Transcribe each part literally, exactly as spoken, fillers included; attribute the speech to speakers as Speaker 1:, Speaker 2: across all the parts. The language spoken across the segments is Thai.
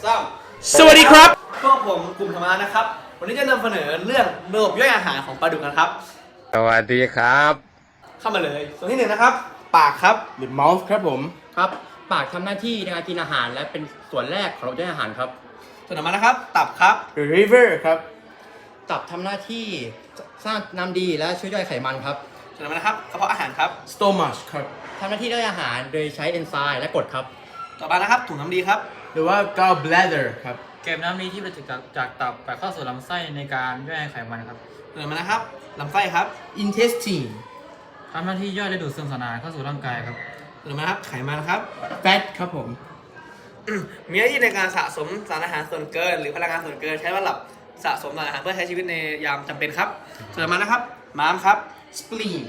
Speaker 1: สาม
Speaker 2: สวัสดีครับ
Speaker 1: พวกผมกลุ่มธรรมะนะครับวันนี้จะนำเสนอเรื่องระบบย่อยอาหารของปลาดุกกันครับ
Speaker 3: สวัสดีครับ
Speaker 1: เข้ามาเลยส่วนที่หนึ่งนะครับปากครับ
Speaker 2: The mouth ครับผม
Speaker 4: ครับปากทำหน้าที่ในการกินอาหารและเป็นส่วนแรกของระบบย่อยอาหารครับ
Speaker 1: ส่วนต่อมานะครับตับครับ
Speaker 2: The river ครับ
Speaker 4: ตับทำหน้าที่สร้างน้ำดีและช่วยย่อยไขมันครับ
Speaker 1: ส่วนต่อมานะครับกระเพาะอาหารครับ
Speaker 2: stomach ครับ
Speaker 4: ทำหน้าที่ย่อยอาหารโดยใช้เอนไซม์และกรดครับ
Speaker 1: ต่อมานะครับถุงน้ำดีครับ
Speaker 2: หรือว่า gallbladder ครับ
Speaker 5: เก็บน้ำดีที่ประจุจากจากตับไปเข้าสู่ลำไส้ในการย่อยไขมันครับ
Speaker 1: ส่วนต่อมานะครับลำไส้ครับ
Speaker 2: intestine
Speaker 5: ทำหน้าที่ย่อยและดูดซึมสารอาหารเข้าสู่ร่างกายครับ
Speaker 1: ส่วนต่อมานะครับไขมันครับ
Speaker 2: fat ครับผม
Speaker 1: มีหน้าที่ในการสะสมสารอาหารส่วนเกิน หรือพลังงานส่วนเกินใช้สำหรับสะสมสารอาหารเพื่อใช้ชีวิตในยามจำเป็นครับส่วนต่อมานะครับม้ามครับ
Speaker 2: spleen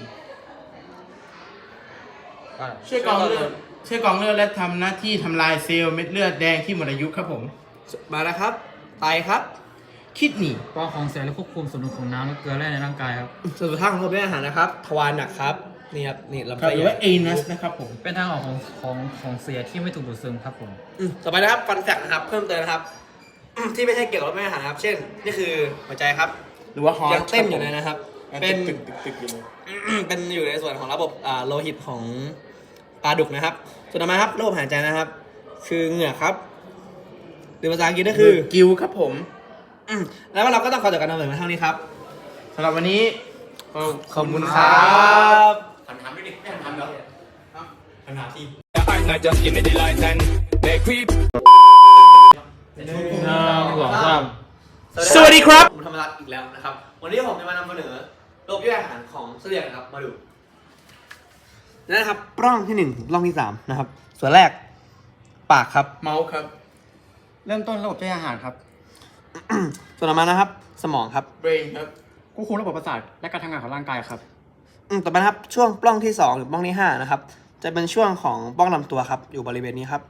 Speaker 2: ช่วยกรองเลือดช่วยกรองเลือดและทำหน้าที่ทำลายเซลล์เม็ดเลือดแดงที่หมดอายุครับผม
Speaker 1: มาแล้วครับไตครับ
Speaker 2: kidney
Speaker 5: กรองของเสียและควบคุมสมดุลของน้ำและเกลือแร่ในร่างกายครับ
Speaker 1: ส่วนสุดท้ายของระบบย่อยอาหารนะครับทวารหนักครับนี่ครับนี่ลำ
Speaker 2: ครับ
Speaker 1: ไส้
Speaker 2: หรือว่า anus นะครับผม
Speaker 5: เป็นทางออกของของของเสียที่ไม่ถูกดูดซึมครับผม
Speaker 1: อืมต่อไปนะครับฟันแฟกนะครับเพิ่มเติมนะครับ ที่ไม่ใช่เกี่ยวกับระบบย่อยอาหารนะครับ เช่นนี่คือหัวใจครับ
Speaker 2: หรือว่า heart
Speaker 1: ยังเต้นอยู่เลยนะครับ
Speaker 2: เป็
Speaker 1: เป็น น
Speaker 2: ตึกตึกตึกอยู่เลย
Speaker 1: เป็นอยู่ในส่วนของระบบอ่าโลหิตของปลาดุกนะครับ ส่วนต่อมาครับระบบหายใจนะครับ คือเหงือกครับหรือภาษาอังกฤษก็คือ
Speaker 2: กิวครับผม
Speaker 1: อืมแล้วเราก็ต้องขอจบการนำเสนอมาเท่านี้ครับ
Speaker 2: สำหรับวันนี้ขอบคุณค
Speaker 1: ค
Speaker 2: รั
Speaker 1: รับ บ
Speaker 4: หันถามด้วยดิไม่หันถามแล้วหันถามที
Speaker 3: I'm not just give me the light and they creep
Speaker 5: หนึ่งสองสาม
Speaker 2: สวัสดีครับ
Speaker 1: ผมธรรมรัตน์อีกแล้วนะครับ วันนี้ผมจะมานำเสนอระบบย่อยอาหารของเสลียงนะครับ มาดูนี่นะครับปล้องที่หนึ่งถึงปล้องที่สามนะครับ ส่วนแรกปากครับ
Speaker 2: mouth ครับ
Speaker 4: เริ่มต้นระบบย่อยอาหารครับ
Speaker 1: ส่วนต่อมานะครับ สมองครับ
Speaker 2: brain ครับ
Speaker 4: ควบคุมระบบประสาทและการทำงานของร่างกายครับ
Speaker 1: อืมต่อไปนะครับช่วงปล้องที่สองหรือปล้องที่ห้านะครับ จะเป็นช่วงของปล้องลำตัวครับ อยู่บริเวณนี้ครับ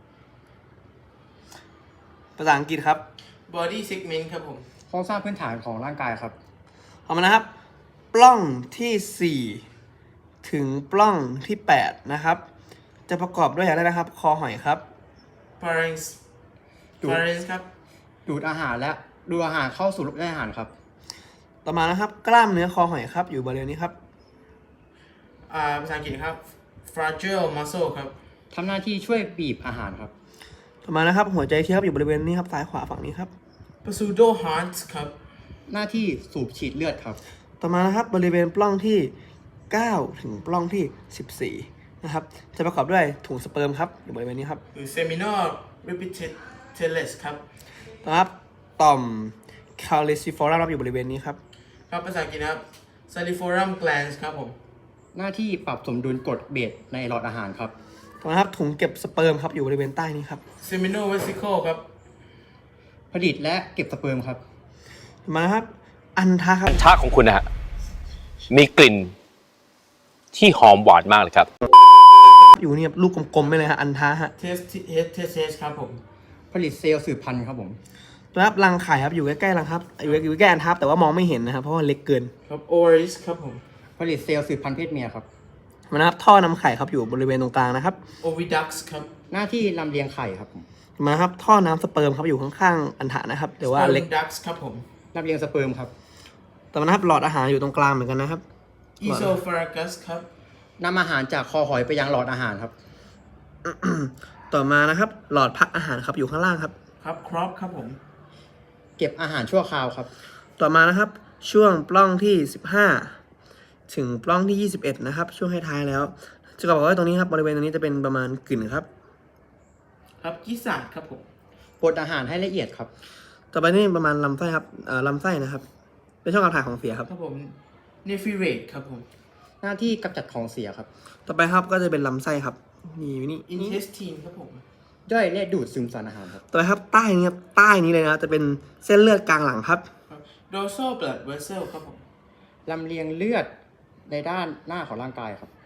Speaker 1: ภาษาอังกฤษครับ
Speaker 2: body segment ครับผม
Speaker 4: โครงสร้างพื้นฐานของร่างกายครับ
Speaker 1: เอามานะครับ ปล้องที่สี่ถึงปล้องที่แปดนะครับ จะประกอบด้วยอะไรนะครับ คอหอยครับ
Speaker 2: pharynx
Speaker 4: ดูด
Speaker 2: pharynx ครับ
Speaker 4: ดูดอาหารและดูดอาหารเข้าสู่ระบบย่อยอาหารครับ
Speaker 1: ต่อมานะครับ กล้ามเนื้อคอหอยครับ อยู่บริเวณนี้ครับ
Speaker 2: อ่าภาษาอังกฤษครับ fragile muscle ครับ
Speaker 4: ทำหน้าที่ช่วยบีบอาหารครับ
Speaker 1: ต่อมานะครับ หัวใจเทียบอยู่บริเวณนี้ครับซ้ายขวาฝั่งนี้ครับ
Speaker 2: pseudo heart ครับ
Speaker 4: หน้าที่สูบฉีดเลือดครับ
Speaker 1: ต่อมานะครับบริเวณปล้องที่เก้าถึงปล้องที่สิบสี่นะครับ จะประกอบด้วยถุงสเปิร์มครับ อยู่บริเวณนี้ครับ
Speaker 2: หรือ seminal repetitellus ครับ
Speaker 1: ต่อมาครับต่อม caliciform ครับอยู่บริเวณนี้ครับ
Speaker 2: ครับภาษาอังกฤษนะครับ saliforum glands ครับผม
Speaker 4: หน้าที่ปรับสมดุลกรดเบสในหลอดอาหารครับ
Speaker 1: ต่อมาครับถุงเก็บสเปิร์มครับอยู่บริเวณใต้นี้ครับ
Speaker 2: seminal vesicle ครับ
Speaker 4: ผลิตและเก็บสเปิร์มครับ
Speaker 1: ต่อมานะครับอันทะครับ
Speaker 6: ชาของคุณนะฮะมีกลิ่นที่หอมหวานมากเลยครับ
Speaker 1: อยู่เนี่ยลูกกลมๆไปเลยฮะอันทะฮะ
Speaker 2: test test ครับผม
Speaker 4: ผลิตเซลล์สืบพันธุ์ครับผม
Speaker 1: ต่อมาครับรังไข่ครับอยู่ใกล้ๆรังครับอยู่อยู่ใกล้ๆอันทับแต่ว่ามองไม่เห็นนะครับเพราะว่าเล็กเกิน
Speaker 2: ครับ ovaries ครับผม
Speaker 4: ผลิตเซลล์สืบพันธุ์เพศเมียครับ
Speaker 1: ต่อมานะครับท่อนำไข่ครับอยู่บริเวณตรงกลางนะครับ
Speaker 2: oviducts ครับ
Speaker 4: หน้าที่ลำเลียงไข่ครับผม
Speaker 1: ต่อมาครับท่อน้ำสเปิร์มครับอยู่ข้างๆอันทะนะครับแต่ว่า
Speaker 2: sperm
Speaker 1: เล็ก
Speaker 2: ducts ครับผม
Speaker 4: ลำเลียงสเปิร์มครับ
Speaker 1: ต่อมานะครับหลอดอาหารอยู่ตรงกลางเหมือนกันนะครับ
Speaker 2: esophagus ครับ
Speaker 4: นำอาหารจากคอหอยไปยังหลอดอาหารครับ
Speaker 1: ต่อมานะครับหลอดพักอาหารครับอยู่ข้างล่างครับ
Speaker 2: ครับ crop ครับผม
Speaker 4: เก็บอาหารชั่วคราวครับ
Speaker 1: ต่อมานะครับช่วงปล้องที่สิบห้าถึงปล้องที่ยี่สิบเอ็ดนะครับช่วงท้ายๆแล้วจะบอกว่าตรงนี้ครับบริเวณตรงนี้จะเป็นประมาณกลิ่นครับ
Speaker 2: ครับกิสาดครับผม
Speaker 4: บดอาหารให้ละเอียดครับ
Speaker 1: ต่อไปนี่ประมาณลำไส้ครับเอ่อลำไส้นะครับเป็นช่องการถ่ายของเสียครับ
Speaker 2: ครับผม nephirate ครับผม
Speaker 4: หน้าที่กำจัดของเสียครับ
Speaker 1: ต่อไปครับก็จะเป็นลำไส้ครับนี่นี่นี่
Speaker 2: intestine ครับผม
Speaker 4: ย่อยและดูดซึมสารอาหารครับ
Speaker 1: ต่อไปครับใต้นี้ครับใต้นี้เลยนะจะเป็นเส้นเลือดกลางหลังครับ
Speaker 2: ครับ dorsal blood vessel ครับผม
Speaker 4: ลำเลียงเลือดในด้านหน้าของร่างกายครับ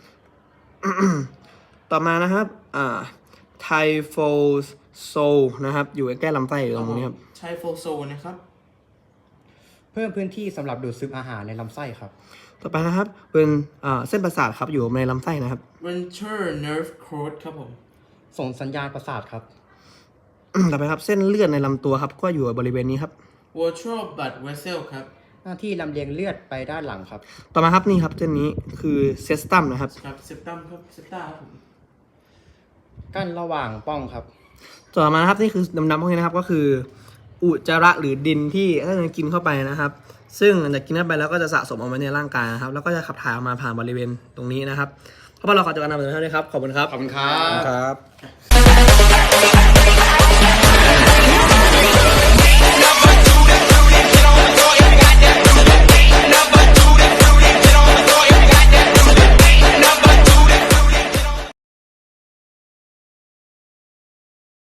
Speaker 1: ต่อมานะครับอ่าไทโฟโซนะครับอยู่ใกล้ๆลำไส้อยู่ตรงนี้ครับ
Speaker 2: ไชโฟโซนะครับ
Speaker 4: เพิ่มพื้นที่สำหรับดูดซึมอาหารในลำไส้ครับ
Speaker 1: ต่อไปนะครับเป็นอ่าเส้นประสาทครับอยู่ในลำไส้นะครับ
Speaker 2: ventral nerve cord ครับผม
Speaker 4: ส่งสัญญาณประสาทครับ
Speaker 1: ต่อไปครับเส้นเลือดในลำตัวครับก็อยู่บริเวณนี้ครับ
Speaker 2: virtual blood vessel ครับ
Speaker 4: หน้าที่ลำเลียงเลือดไปด้านหลังครับ
Speaker 1: ต่อมาครับนี่ครับเส้นนี้คือเซสตัมนะครับ
Speaker 2: ครับ septum ครับ septa ครับผม
Speaker 4: กั้นระหว่างป้องครับ
Speaker 1: ต่อมานะครับนี่คือดำๆพวกนี้นะครับก็คืออุจจาระหรือดินที่ถ้าเรากินเข้าไปนะครับ ซึ่งหลังจากกินเข้าไปแล้วก็จะสะสมเอาไว้ในร่างกายนะครับแล้วก็จะขับถ่ายออกมาผ่านบริเวณตรงนี้นะครับเพราะว่าเราขอจบการนำเสนอเท่านี้ครับขอบคุณครับ
Speaker 4: ขอบคุณครับ
Speaker 1: ครับ